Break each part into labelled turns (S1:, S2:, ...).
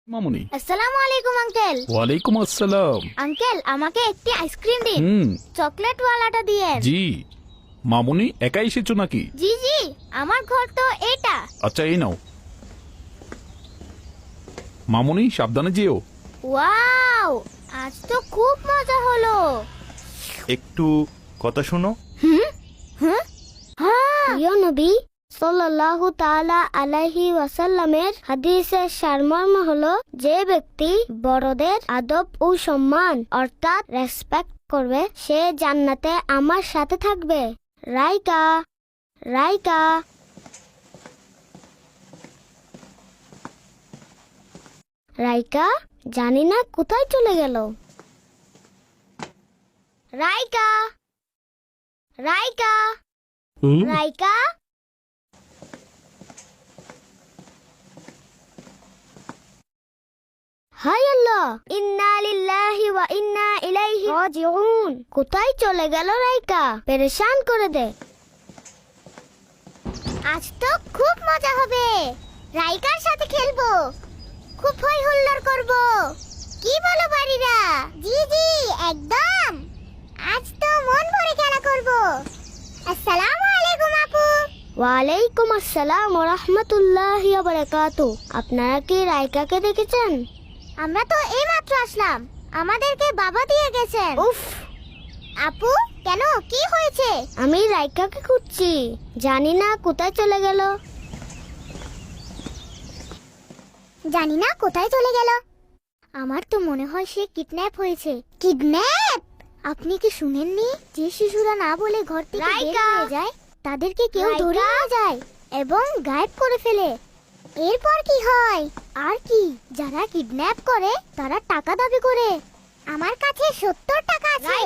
S1: মামুনি।
S2: আসসালামু আলাইকুম আঙ্কেল।
S1: ওয়ালাইকুম আসসালাম।
S2: আঙ্কেল আমাকে একটি আইসক্রিম দিন। চকলেট ওয়ালাটা দিয়েন।
S1: জি। মামুনি একা এসেছো নাকি?
S2: জি জি, আমার ঘর তো এটা।
S1: আচ্ছা এই নাও। মামুনি সাবধানে যেও।
S2: ওয়াও, আজ তো খুব মজা হলো।
S3: একটু কথা শোনো।
S2: হ্যাঁ, প্রিয় নবী সাল্লাল্লাহু তাআলা আলাইহি ওয়াসাল্লামের হাদিসের সারমর্ম হলো, যে ব্যক্তি বড়দের আদব ও সম্মান অর্থাৎ রেসপেক্ট করবে সে জান্নাতে আমার সাথে থাকবে। রাইকা রাইকা রাইকা জানি না কোথায় চলে গেল। রাইকা রাইকা রাইকা হায় আল্লাহ, ইন্না লিল্লাহি ওয়া ইন্না ইলাইহি রাজিউন। কোথায় চলে গেল রাইকা? পেরেশান করে দে। আজ তো খুব মজা হবে, রাইকার সাথে খেলবো, খুব হই হুল্লোড় করব। কি বলো বাড়িরা? জি জি একদম, আজ তো মন ভরে খেলা করব। আসসালামু আলাইকুম আপু। ওয়ালাইকুম আসসালাম ওয়া রাহমাতুল্লাহি ওয়া বারাকাতুহু। আপনারা কি রাইকাকে দেখেছেন? আমরা তো এইমাত্র আসলাম, আমাদেরকে বাবা দিয়ে গেছেন। উফ আপু, কেন কি হয়েছে? আমি রাইকাকে খুঁজছি, জানি না কোথায় চলে গেল। জানি না কোথায় চলে গেল। আমার তো মনে হয় সে কিডন্যাপ হয়েছে। কিডন্যাপ? আপনি কি শুনেননি যে শিশুরা না বলে ঘর থেকে বের হয়ে যায় তাদেরকে কেউ ধরে নিয়ে যায় এবং গায়েব করে ফেলে? এরপর কি হয়? আর কি, যারা কিডন্যাপ করে তারা টাকা দাবি করে। আমার কাছে 70 টাকা আছে।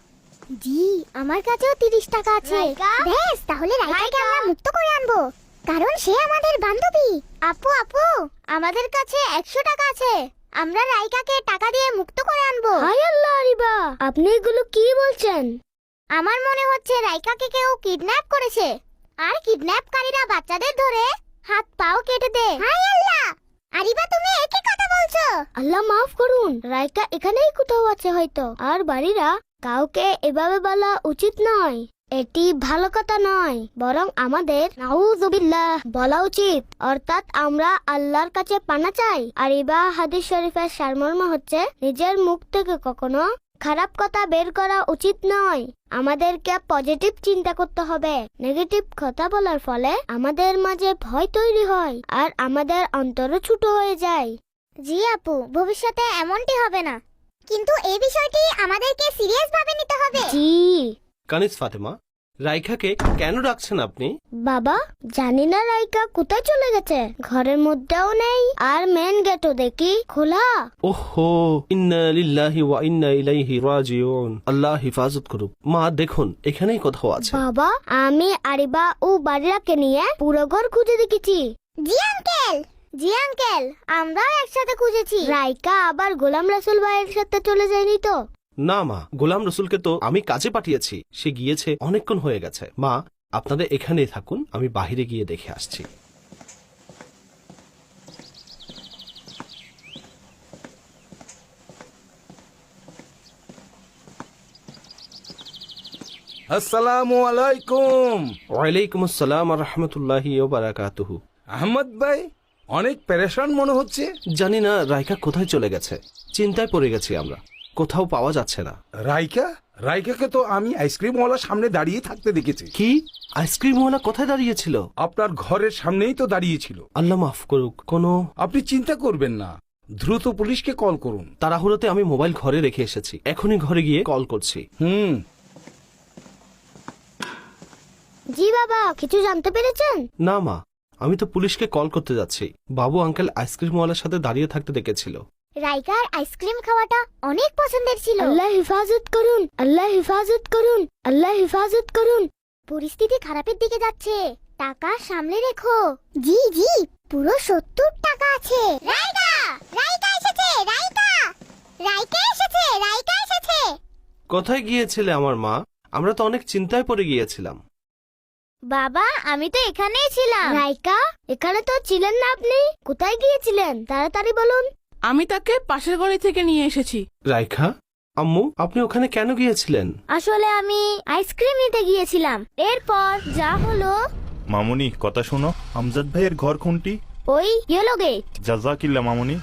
S2: জি, আমার কাছেও 30 টাকা আছে। বেশ, তাহলে রাইকাকে আমরা মুক্ত করে আনবো, কারণ সে আমাদের বান্ধবী। আপু আপু, আমাদের কাছে 100 টাকা আছে, আমরা রাইকাকে টাকা দিয়ে মুক্ত করে আনবো। হায় আল্লাহ আরিবা, আপনি এগুলো কি বলছেন? আমার মনে হচ্ছে রাইকাকে কেউ কিডন্যাপ করেছে, আর কিডন্যাপকারীরা বাচ্চাদের ধরে হাত পাও কেটে দেয়। হায় আল্লাহ, আরিবা তুমি একই কথা বলছো। আল্লাহ মাফ করুন, রাইকা এখানেই কোথাও আছে হয়তো। আর বাড়িরা, কাউকে এভাবে বলা উচিত নয়, এটি ভালো কথা নয়, বরং আমাদের নাউযুবিল্লাহ বলা উচিত, অর্থাৎ আমরা আল্লাহর কাছে পানা চাই। আর ইবা হাদিস শরীফের সারমর্ম হচ্ছে, নিজের মুখ থেকে কখনো খারাপ কথা বের করা উচিত নয়। আমাদেরকে পজিটিভ চিন্তা করতে হবে। নেগেটিভ কথা বলার ফলে আমাদের মাঝে ভয় তৈরি হয় আর আমাদের অন্তরও ছোট হয়ে যায়। জি আপু, ভবিষ্যতে এমনটি হবে না, কিন্তু এই বিষয়টি আমাদেরকে সিরিয়াস ভাবে নিতে হবে। জি
S4: কানিজ ফাতেমা, রাইখাকে কেন রাখছেন আপনি?
S2: বাবা, জানি না রাইকা কোথায় চলে গেছে, ঘরের মধ্যেও নেই, আর মেন গেটও দেখি খোলা।
S4: ওহো, ইন্না লিল্লাহি ওয়া ইন্না ইলাইহি রাজিউন। আল্লাহ হিফাজত করুক। মা দেখুন, এখানেই কোথাও আছে।
S2: বাবা, আমি আরিবা ও বাড়িরাকে নিয়ে পুরো ঘর খুঁজে দেখেছি। জি আঙ্কেল, জি আঙ্কেল, আমরাও একসাথে খুঁজেছি। রাইকা আবার গোলাম রাসূল ভাইয়ের সাথে চলে যায়নি তো?
S4: না মা, গোলাম রসুলকে তো আমি কাজে পাঠিয়েছি, সে গিয়েছে অনেকক্ষণ হয়ে গেছে। মা, আপনারা এখানেই থাকুন, আমি বাহিরে গিয়ে দেখে আসছি।
S5: আসসালামু আলাইকুম।
S4: ওয়ালাইকুম আসসালাম ওয়া রাহমাতুল্লাহি ওয়া বারাকাতুহু।
S5: আহমদ ভাই, অনেক পেরেশান মনে হচ্ছে।
S4: জানি না রাইকা কোথায় চলে গেছে, চিন্তায় পড়ে গেছি আমরা, কোথাও পাওয়া যাচ্ছে না।
S5: রাইকাকে তো আমি আইসক্রিমওয়ালার সামনে দাঁড়িয়ে থাকতে দেখেছি।
S4: কি? আইসক্রিমওয়ালা কোথায় দাঁড়িয়েছিল?
S5: আপনার ঘরের সামনেই তো দাঁড়িয়েছিল।
S4: আল্লাহ মাফ করুক। কোনো
S5: আপনি চিন্তা করবেন না, দ্রুত পুলিশকে কল করুন।
S4: তাড়াহুড়োতে আমি মোবাইল ঘরে রেখে এসেছি, এখনই ঘরে গিয়ে কল করছি।
S2: জি বাবা, কিছু জানতে পেরেছেন?
S4: না মা, আমি তো পুলিশকে কল করতে যাচ্ছি। বাবু আঙ্কেল আইসক্রিমওয়ালার সাথে দাঁড়িয়ে থাকতে দেখেছিল।
S2: রাইকার আইসক্রিম খাওয়াটা অনেক পছন্দের ছিল। আল্লাহ হেফাজত করুন, আল্লাহ হেফাজত করুন, আল্লাহ হেফাজত করুন। পরিস্থিতি খারাপের দিকে যাচ্ছে, টাকা সামলে রেখো। জি জি, পুরো 70 টাকা আছে। রাইকা, রাইকা এসেছে, রাইকা, রাইকা এসেছে, রাইকা এসেছে।
S4: কোথায় গিয়েছিলে আমার মা? আমরা তো অনেক চিন্তায় পড়ে গিয়েছিলাম।
S2: বাবা, আমি তো এখানেই ছিলাম। রাইকা, এখানে তো ছিলেন না আপনি, কোথায় গিয়েছিলেন তাড়াতাড়ি বলুন।
S6: আমি তাকে পাশের গলি থেকে নিয়ে এসেছি।
S4: রাইখা, আম্মু আপনি ওখানে কেন গিয়েছিলেন?
S2: আসলে আমি আইসক্রিম নিতে গিয়েছিলাম। এরপর যা হলো,
S3: মামুনি কথা শোনো, আমজাদ ভাইয়ের ঘর কোনটি?
S2: ওই ইয়েলো গেট।
S3: জাজাকিল্লা মামুনি।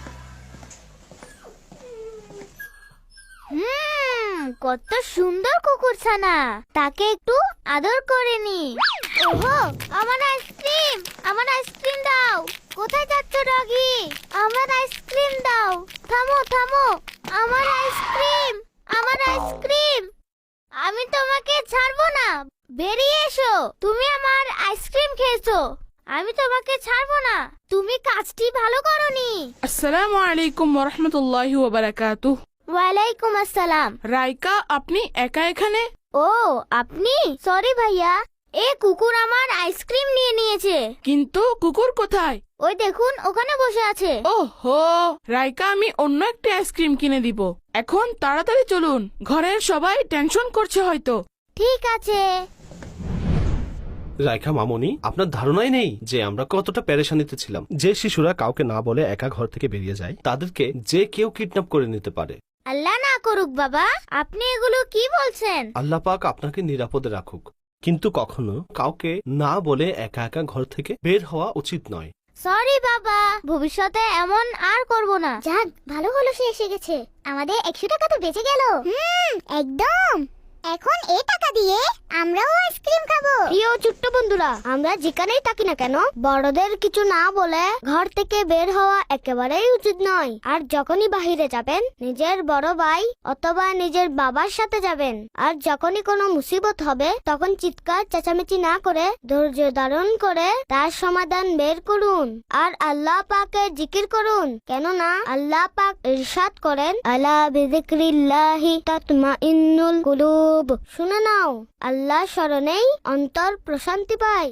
S2: কত সুন্দর কুকুরছানা, তাকে একটু আদর করে নি। ওহো, আমার আইসক্রিম, আমার আইসক্রিম দাও। কোথায় যাচ্ছ ডগি? আমার আইসক্রিম দাও। থামো থামো, আমার আইসক্রিম, আমার আইসক্রিম। আমি তোমাকে ছাড়বো না, বেরিয়ে এসো। তুমি আমার আইসক্রিম খেয়েছো, আমি তোমাকে ছাড়বো না। তুমি কাজটি ভালো করনি।
S6: আসসালামু আলাইকুম ওয়া রাহমাতুল্লাহি ওয়া বারাকাতুহু।
S2: ওয়ালাইকুম আসসালাম।
S6: রাইকা, আপনি একা এখানে?
S2: ও, আপনি? সরি ভাইয়া, এ কুকুর আমার আইসক্রিম নিয়ে নিয়েছে।
S6: কিন্তু কুকুর কোথায়?
S2: ওই দেখুন, ওখানে বসে আছে।
S6: ওহো, রাইকা, আমি অন্য একটা আইসক্রিম কিনে দিব। এখন তাড়াতাড়ি চলুন, ঘরের সবাই টেনশন করছে হয়তো।
S2: ঠিক আছে।
S4: রাইখা মামুনি, আপনার ধারণাই নেই যে আমরা কতটা পেরেশানিতে ছিলাম। যে শিশুরা কাউকে না বলে একা ঘর থেকে বেরিয়ে যায়, তাদেরকে যে কেউ কিডন্যাপ করে নিতে পারে।
S2: আল্লাহ না করুক বাবা, আপনি এগুলো কি বলছেন?
S4: আল্লাহ পাক আপনাকে নিরাপদে রাখুক, কিন্তু কখনো কাউকে না বলে একা একা ঘর থেকে বের হওয়া উচিত নয়।
S2: সরি বাবা, ভবিষ্যতে এমন আর করব না। যাক, ভালো হলো সে এসে গেছে। আমাদের 100 টাকা তো বেঁচে গেল। একদম। এখন এই টাকা দিয়ে আমরাও আইসক্রিম খাবো। প্রিয় ছোট্ট বন্ধুরা, আমরা যেখানেই থাকি না কেন, বড়দের কিছু না বলে ঘর থেকে বের হওয়া একেবারেই উচিত নয়। আর যখনই বাহিরে যাবেন, নিজের বড় ভাই অথবা নিজের বাবার সাথে যাবেন। আর যখনই কোনো মুসিবত হবে, তখন চিৎকার চেঁচামেচি না করে ধৈর্য ধারণ করে তার সমাধান বের করুন। আর আল্লাহ পাকের জিকির করুন, কেননা আল্লাহ পাক ইরশাদ করেন, আলা বিযিকরিল্লাহি তাতমাইন্নুল কুলুব। শুনে নাও, আল্লাহ স্মরণেই অন্তর প্রশান্তি পায়।